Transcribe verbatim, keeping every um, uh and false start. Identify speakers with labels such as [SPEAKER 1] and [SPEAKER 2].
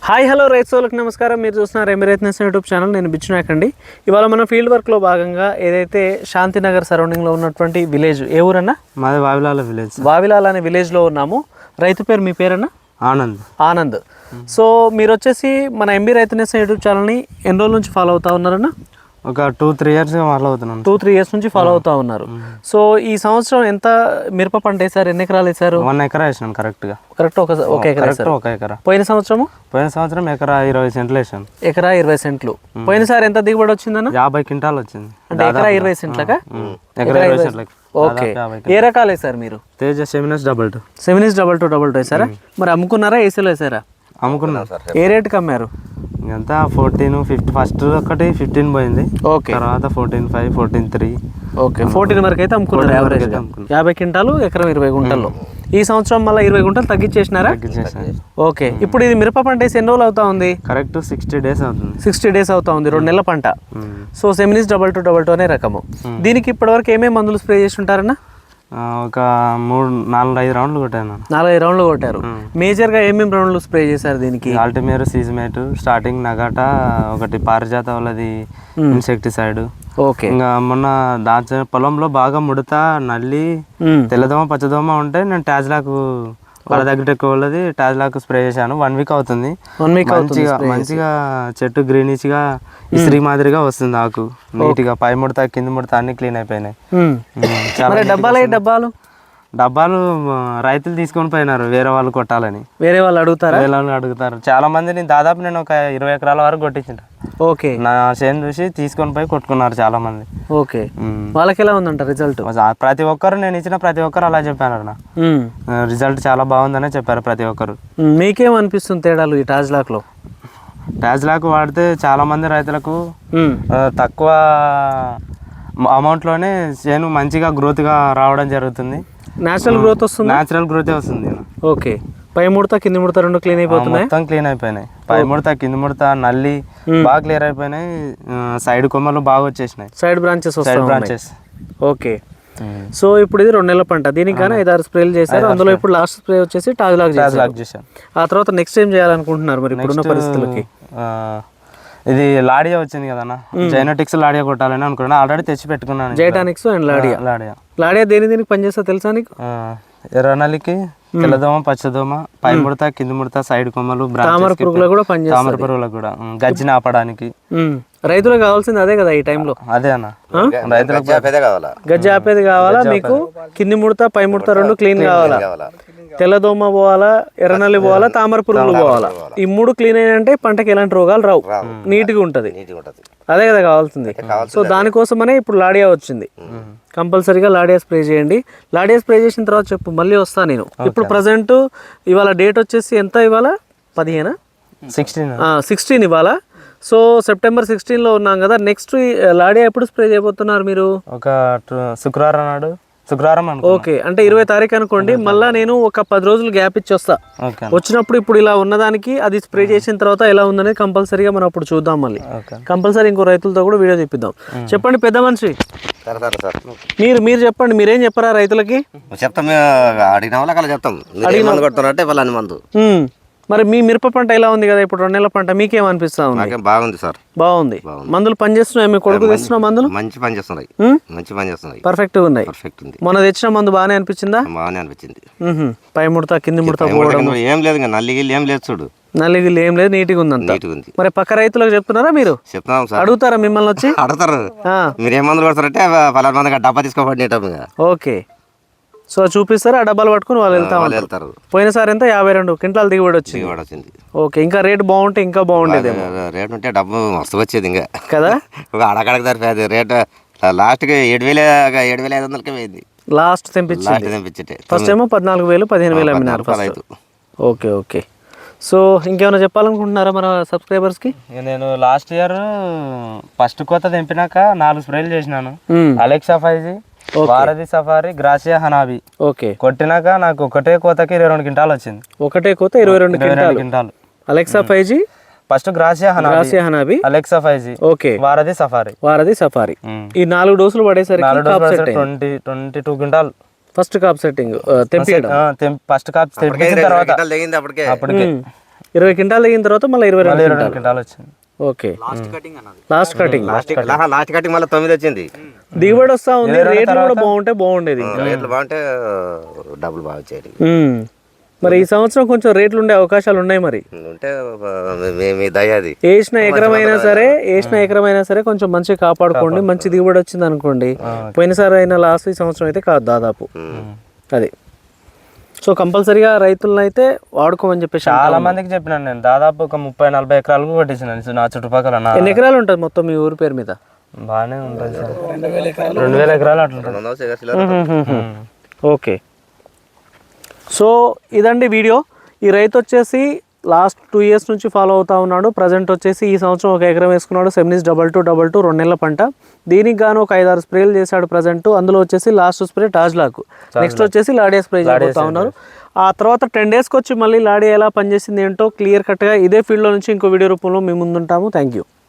[SPEAKER 1] Hi hello రైతు సోదరులకు నమస్కారం. మీరు చూస్తున్నారు ఎమ్మె రైతు యూట్యూబ్ ఛానల్. నేను బిచ్చునాయక్ అండి. ఇవాళ మనం ఫీల్డ్ వర్క్లో భాగంగా ఏదైతే శాంతినగర్ సరౌండింగ్లో ఉన్నటువంటి విలేజ్, ఏ ఊరన్నా?
[SPEAKER 2] మాది వావిలాల విలేజ్.
[SPEAKER 1] వావిలాల అనే విలేజ్లో ఉన్నాము. రైతు పేరు, మీ పేరన్నా?
[SPEAKER 2] ఆనంద్.
[SPEAKER 1] ఆనంద్. సో మీరు వచ్చేసి మన ఎంబీ రైతు నేస్తం యూట్యూబ్ ఛానల్ని ఎన్ని రోజుల నుంచి ఫాలో అవుతా ఉన్నారన్నా?
[SPEAKER 2] ఒక టూ త్రీ ఇయర్స్గా ఫాలో అవుతున్నాను.
[SPEAKER 1] టూ త్రీ ఇయర్స్ నుంచి ఫాలో అవుతా ఉన్నారు. సో ఈ సంవత్సరం ఎంత మిరప పంట వేసారు? ఎన్ని ఎకరాలు వేసారు?
[SPEAKER 2] వన్ ఎకరా వేసాను కరెక్ట్గా.
[SPEAKER 1] కరెక్ట్ ఒక ఒక ఎకరా
[SPEAKER 2] ఒక ఎకరా.
[SPEAKER 1] పోయిన సంవత్సరము
[SPEAKER 2] పోయిన సంవత్సరం ఎకరా ఇరవై సెంట్లు వేసాను.
[SPEAKER 1] ఎకరా ఇరవై సెంట్లు. పోయినసారి ఎంత దిగుబడి వచ్చిందన్న?
[SPEAKER 2] యాభై క్వింటాల్ వచ్చింది.
[SPEAKER 1] అంటే ఎకరా ఇరవై సెంట్లకా?
[SPEAKER 2] ఎకరా ఇరవై సెంట్లకి.
[SPEAKER 1] ఓకే. ఏ రకాలు వేసారు మీరు?
[SPEAKER 2] Teja Seminis double two.
[SPEAKER 1] Seminis double two double two వేసారా? మరి అమ్ముకున్నారా, ఏసీలో వేసారా?
[SPEAKER 2] అమ్ముకున్నాను సార్.
[SPEAKER 1] ఏ రేటుకి అమ్మారు?
[SPEAKER 2] ఎంత ఫోర్టీన్ ఫిఫ్టీ ఫస్ట్ ఒకటి ఫిఫ్టీన్ పోయింది.
[SPEAKER 1] ఓకే.
[SPEAKER 2] తర్వాత fourteen five fourteen three.
[SPEAKER 1] Okay, fourteen వరకు అయితే అమ్ముకున్నారు యావరేజ్. యాభై క్వింటాలు ఎకరం ఇరవై గుంటల్లో. ఈ సంవత్సరం మళ్ళీ ఇరవై గుంటలు తగ్గించేసినారా? ఓకే. ఇప్పుడు ఇది మిరప పంట వేసి ఎన్ని రోజులు అవుతా ఉంది?
[SPEAKER 2] కరెక్ట్ సిక్స్టీ డేస్ అవుతుంది.
[SPEAKER 1] సిక్స్టీ డేస్ అవుతా ఉంది, రెండు నెలల పంట. So Seminis double two double two అనే రకము. దీనికి ఇప్పటివరకు ఏమేమి మందులు స్ప్రే చేసి ఉంటారన్నా?
[SPEAKER 2] ఒక మూడు నాలుగు ఐదు రౌండ్లు కొట్టాను.
[SPEAKER 1] నాలుగైదు రౌండ్లు కొట్టారు. మేజర్గా ఏమేమి రౌండ్లు స్ప్రే చేశారు దీనికి?
[SPEAKER 2] ఆల్టిమేర్, సీజమేట్, స్టార్టింగ్ నగాటా, ఒకటి పారిజాత వాళ్ళది ఇన్సెక్టిసైడ్.
[SPEAKER 1] ఓకే.
[SPEAKER 2] ఇంకా మొన్న దాచ పొలంలో బాగా ముడత, నల్లి, తెల్లదోమ, పచ్చదోమ ఉంటే నేను టాజ్లాకు వాళ్ళ దగ్గర ఎక్కువ వాళ్ళది టాజ్లాకు స్ప్రే చేశాను. వన్ వీక్ అవుతుంది.
[SPEAKER 1] వన్ వీక్
[SPEAKER 2] మంచిగా మంచిగా చెట్టు గ్రీనిష్ గా ఇస్త్రీ మాదిరిగా వస్తుంది. ఆకు నీట్ గా పై ముడత కింద ముడత అన్ని క్లీన్ అయిపోయినాయి.
[SPEAKER 1] డబ్బాలు డబ్బాలు
[SPEAKER 2] డబ్బాలు రైతులు తీసుకొని పోయినారు, వేరే వాళ్ళు కొట్టాలని.
[SPEAKER 1] వేరే వాళ్ళు అడుగుతారా?
[SPEAKER 2] వేరే వాళ్ళు అడుగుతారు చాలా మందిని. దాదాపు నేను ఒక ఇరవై ఎకరాల వరకు కొట్టించిన.
[SPEAKER 1] ఓకే.
[SPEAKER 2] నా చేను చూసి తీసుకొని పోయి కొట్టుకున్నారు చాలా మంది.
[SPEAKER 1] ఓకే. వాళ్ళకి ఎలా ఉందంట రిజల్ట్?
[SPEAKER 2] ప్రతి ఒక్కరు, నేను ఇచ్చిన ప్రతి ఒక్కరు అలా చెప్పారు. నా రిజల్ట్ చాలా బాగుందనే చెప్పారు ప్రతి ఒక్కరు.
[SPEAKER 1] మీకేమనిపిస్తుంది తేడాలు ఈ టాజ్లాక్ లో?
[SPEAKER 2] టాజ్లాక్ వాడితే చాలా మంది రైతులకు తక్కువ అమౌంట్ లోనే చేను మంచిగా గ్రోత్ గా రావడం జరుగుతుంది.
[SPEAKER 1] నేచురల్ గ్రోత్ వస్తుంది.
[SPEAKER 2] నేచురల్ గ్రోత్ వస్తుంది.
[SPEAKER 1] ఓకే. పై ముడత కింది ముడత రెండు క్లీన్ అయిపోతున్నాయి.
[SPEAKER 2] మొత్తం క్లీన్ అయిపోయినాయి. పై ముడత కింది ముడత నల్లి బాగా క్లియర్ అయిపోయినాయి. సైడ్ కొమ్మలు బాగా వచ్చేసినాయి.
[SPEAKER 1] Side branches
[SPEAKER 2] side branches.
[SPEAKER 1] Okay. So ఇప్పుడు ఇది రెండు నెలల పంట. దీనికి కానీ ఐదారు స్ప్రేలు చేశారు. అందులో ఇప్పుడు లాస్ట్ స్ప్రే వచ్చేసి టాజ్లాక్ చేశారు. ఆ తర్వాత నెక్స్ట్ ఏం చేయాలనుకుంటున్నారు మరి ఇప్పుడున్న పరిస్థితులకి?
[SPEAKER 2] ఇది లాడియా వచ్చింది కదన్నా, జైనోటిక్స్ లాడియా కొట్టాలని అనుకున్నాను. ఆల్రెడీ తెచ్చి పెట్టుకున్నాను.
[SPEAKER 1] జైటానిక్స్ అండ్ లాడియా.
[SPEAKER 2] లాడియా
[SPEAKER 1] లాడియా దేని దేనికి పనిచేస్తా తెలుసా నీకు?
[SPEAKER 2] ఎర్రనల్లికి, తెల్లదోమ, పచ్చదోమ, పై ముడత, కింది ముడత, సైడ్ కొమ్మలు,
[SPEAKER 1] తామర పురుగులు కూడా పనిచేస్తాయి.
[SPEAKER 2] తామర పురుగులకు కూడా, గజ్జిని ఆపడానికి.
[SPEAKER 1] రైతులకు కావాల్సింది అదే కదా ఈ టైంలో?
[SPEAKER 2] అదే అన్న, రైతులకు
[SPEAKER 1] గజ్జి ఆపేది కావాలా మీకు? కింది ముడత పై ముడత రెండు క్లీన్ కావాలా? తెల్లదోమ పోవాలా, ఎర్రనల్లి పోవాలా, తామర పురుగులు పోవాలా. ఈ మూడు క్లీన్ అయినంటే పంటకి ఎలాంటి రోగాలు రావు, నీట్గా ఉంటుంది. అదే కదా కావాల్సింది. సో దానికోసమనే ఇప్పుడు లాడియా వచ్చింది. కంపల్సరీగా లాడియా స్ప్రే చేయండి. లాడియా స్ప్రే చేసిన తర్వాత చెప్పు, మళ్ళీ వస్తా నేను. ఇప్పుడు ప్రజెంట్ ఇవాళ డేట్ వచ్చేసి ఎంత? ఇవాళ పదిహేనా?
[SPEAKER 2] సిక్స్టీన్
[SPEAKER 1] సిక్స్టీన్ ఇవాళ. సో సెప్టెంబర్ సిక్స్టీన్లో ఉన్నాం కదా. నెక్స్ట్ లాడియా ఎప్పుడు స్ప్రే చేయబోతున్నారు మీరు?
[SPEAKER 2] ఒక శుక్రవారం నాడు. శుక్రవారం.
[SPEAKER 1] ఓకే. అంటే ఇరవై తారీఖు అనుకోండి. మళ్ళీ నేను ఒక పది రోజులు గ్యాప్ ఇచ్చి వస్తా. వచ్చినప్పుడు ఇప్పుడు ఇలా ఉన్నదానికి అది స్ప్రే చేసిన తర్వాత ఎలా ఉందనేది కంపల్సరీగా మనం అప్పుడు చూద్దాం. మళ్ళీ కంపల్సరీ ఇంకో రైతులతో కూడా వీడియో చెప్పిద్దాం. చెప్పండి పెద్ద మనిషి, మీరు మీరు చెప్పండి. మీరేం చెప్పరా రైతులకి?
[SPEAKER 3] చెప్తాం, అడిగిన వాళ్ళకి చెప్తాం. మందు
[SPEAKER 1] మరి మీ మిరప పంట ఎలా ఉంది కదా ఇప్పుడు రెండు నెలల పంట, మీకేమనిపిస్తా ఉంది?
[SPEAKER 3] బాగుంది సార్,
[SPEAKER 1] బాగుంది. మందులు పనిచేస్తున్నాయి? మీ కొడుకు తెచ్చిన మందులు
[SPEAKER 3] మంచి పని చేస్తున్నాయి. మంచి పని చేస్తున్నాయి.
[SPEAKER 1] పర్ఫెక్ట్ గా ఉన్నాయి.
[SPEAKER 3] పర్ఫెక్ట్ ఉంది.
[SPEAKER 1] మొన్న తెచ్చిన మందు బాగానే అనిపించిందా?
[SPEAKER 3] బాగానే అనిపించింది.
[SPEAKER 1] పై ముడత కింది ముడత
[SPEAKER 3] ఏం లేదు, నల్లి గిల్లి ఏం లేదు. చూడు,
[SPEAKER 1] నల్లి గిల్లి ఏం లేదు, నీట్గా ఉంది.
[SPEAKER 3] నీట్గా ఉంది.
[SPEAKER 1] మరి పక్క రైతులకు చెప్తున్నారా మీరు?
[SPEAKER 3] చెప్తున్నాం సార్.
[SPEAKER 1] అడుగుతారా మిమ్మల్ని వచ్చి?
[SPEAKER 3] అడుగుతారు. మీరు ఏ మందులు కొడతారంటే పలానా మంది డబ్బా తీసుకోబడి.
[SPEAKER 1] ఓకే. సో చూపిస్తారా? ఆ డబ్బాలు పట్టుకుని వాళ్ళు వెళ్తా
[SPEAKER 3] వెళ్తారు.
[SPEAKER 1] పోయినసారి ఎంత? యాభై రెండు క్వింటాల్ దిగుబడి వచ్చింది. ఓకే. ఇంకా రేట్ బాగుంటే ఇంకా బాగుండేది.
[SPEAKER 3] రేట్ ఉంటే డబ్బు మస్తు వచ్చేది ఇంకా కదా. ఒక అడగడకు సరిపోయేది రేట్. లాస్ట్ కి ఏడు వేల ఏడు వేల ఐదు వందలకి పోయింది.
[SPEAKER 1] లాస్ట్ తెంపించి
[SPEAKER 3] తెంపించే
[SPEAKER 1] ఫస్ట్ ఏమో పద్నాలుగు వేలు పదిహేను వేలు అమ్మినారు ఫస్ట్. Okay okay. సో ఇంకేమైనా చెప్పాలనుకుంటున్నారా మన సబ్స్క్రైబర్స్ కి?
[SPEAKER 2] నేను లాస్ట్ ఇయర్ ఫస్ట్ కోత తెంపినాక నాలుగు స్ప్రేలు చేసినాను. Alexa five G, Bharathi Safari, Gracia Hanabi.
[SPEAKER 1] Okay.
[SPEAKER 2] కొట్టినాక నాకు ఒకటే కోతకి ఇరవై రెండు క్వింటాలు వచ్చింది.
[SPEAKER 1] ఒకటే కోత ఇరవై రెండు quintal. Alexa five G,
[SPEAKER 2] first Gracia Hanabi,
[SPEAKER 1] Gracia Hanabi,
[SPEAKER 2] Alexa five G,
[SPEAKER 1] okay,
[SPEAKER 2] Bharathi Safari.
[SPEAKER 1] Bharathi Safari. ఈ నాలుగు డోసులు పడేసరికి
[SPEAKER 2] twenty twenty two quintal
[SPEAKER 1] first కాప్ సెట్టింగ్ తెంపేయడం.
[SPEAKER 2] ఫస్ట్ కాప్ తెంపిన తర్వాత అప్పటికే
[SPEAKER 1] ఇరవై క్వింటాలు దిగిన తర్వాత మళ్ళీ ఇరవై రెండు
[SPEAKER 2] ఇరవై రెండు క్వింటాలు వచ్చింది.
[SPEAKER 1] Okay last cutting
[SPEAKER 3] last last cutting మళ్ళీ తొమ్మిది వచ్చింది.
[SPEAKER 1] దిగుబడి వస్తా ఉంది, రేట్లు కూడా బాగుంటే బాగుండేది ఇంకా.
[SPEAKER 3] రేట్లు బాగుంటే డబ్బులు బాగా వచ్చేది.
[SPEAKER 1] ఉమ్. మరి ఈ సంవత్సరం కొంచెం రేట్లు ఉండే అవకాశాలు ఉన్నాయి మరి.
[SPEAKER 3] ఉంటే మీ- మీ దయ అది.
[SPEAKER 1] వేసిన ఎకరం అయినా సరే వేసిన ఎకరం అయినా సరే కొంచెం మంచిగా కాపాడుకోండి. మంచి దిగుబడి వచ్చింది అనుకోండి, పోయినసారి అయిన లాస్ట్ ఈ సంవత్సరం అయితే కాదు దాదాపు. అది సో కంపల్సరీగా రైతులను అయితే వాడుకోమని చెప్పేసి
[SPEAKER 2] చాలా మందికి చెప్పినాను నేను. దాదాపు ఒక ముప్పై నలభై ఎకరాలకు కొట్టించినాను నా చుట్టుపక్కల. నా
[SPEAKER 1] ఎన్ని ఎకరాలు ఉంటుంది మొత్తం మీ ఊరి పేరు మీద?
[SPEAKER 2] బాగానే ఉంటుంది సార్, రెండు వేల ఎకరాలు అట్లా ఉంటుంది.
[SPEAKER 3] వంద వందల చిల్లర.
[SPEAKER 1] ఓకే, సో ఇదండి వీడియో. ఈ రైతు వచ్చేసి లాస్ట్ టూ ఇయర్స్ నుంచి ఫాలో అవుతా ఉన్నాడు. ప్రజెంట్ వచ్చేసి ఈ సంవత్సరం ఒక ఎకరం వేసుకున్నాడు. Seminis double two double two రెండు నెలల పంట. దీనికి గాను ఒక ఐదారు స్ప్రేలు చేశాడు ప్రజెంట్. అందులో వచ్చేసి లాస్ట్ స్ప్రే టాజ్లాక్, నెక్స్ట్ వచ్చేసి లాడియా స్ప్రే చేయబోతా ఉన్నారు. ఆ తర్వాత టెన్ డేస్కి వచ్చి మళ్ళీ లాడియా ఎలా పనిచేసింది ఏంటో క్లియర్ కట్గా ఇదే ఫీల్డ్లో నుంచి ఇంకో వీడియో రూపంలో మేము ముందుంటాము. Thank you.